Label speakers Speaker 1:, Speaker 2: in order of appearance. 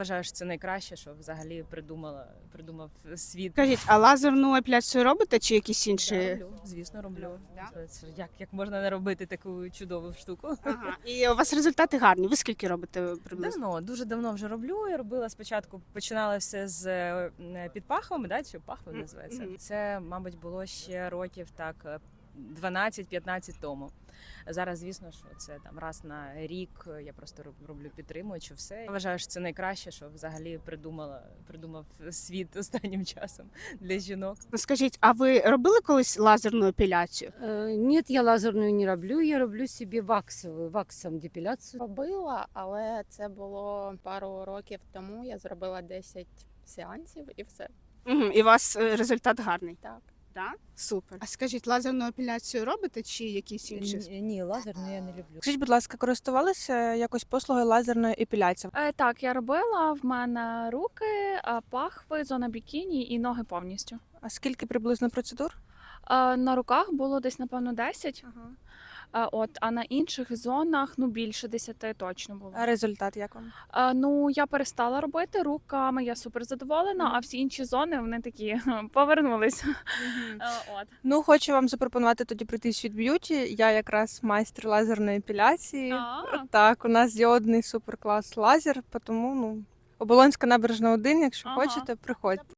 Speaker 1: Вважаю, що це найкраще, що взагалі придумав світ.
Speaker 2: Скажіть, а лазерну епіляцію робите чи якісь
Speaker 1: Да,
Speaker 2: інші?
Speaker 1: роблю, звісно, роблю.
Speaker 2: Да?
Speaker 1: Це ж як можна не робити таку чудову штуку?
Speaker 2: Ага. І у вас результати гарні. Ви скільки робите приблизно?
Speaker 1: Давно, дуже давно вже роблю. Я робила спочатку, починала все з підпахвами, да, чи пахви називається.
Speaker 2: Мгм.
Speaker 1: Це, мабуть, було ще років так 12-15 тому. Зараз, звісно, що це там раз на рік я просто роблю підтримуючи все. Я вважаю, що це найкраще, що взагалі придумав світ останнім часом для жінок.
Speaker 2: Ну, скажіть, а ви робили колись лазерну епіляцію?
Speaker 3: Нет, я лазерную не роблю, я роблю собі ваксом депіляцію.
Speaker 4: Робила, але це було пару років тому. Я зробила 10 сеансів і все.
Speaker 2: Угу. І у вас результат гарний?
Speaker 4: Так.
Speaker 2: Да? Супер. А скажіть, лазерну епіляцію робите чи якісь інші?
Speaker 1: Ні, лазерну я не люблю.
Speaker 5: Скажіть, будь ласка, користувалися якось послугою лазерної епіляції?
Speaker 6: Так, я робила. В мене руки, пахви, зона бікіні і ноги повністю.
Speaker 5: А скільки приблизно процедур?
Speaker 6: На руках було десь, напевно, 10. А на інших зонах більше 10 точно було.
Speaker 5: А результат як вам?
Speaker 6: Я перестала робити руками, я супер задоволена, а всі інші зони вони такі повернулись. От.
Speaker 5: Ну, хочу вам запропонувати тоді прийти в Світ Б'юті. Я якраз майстер лазерної епіляції. Так, у нас діодний суперклас лазер, тому Оболонська набережна 1, якщо
Speaker 6: Ага.
Speaker 5: хочете, приходьте.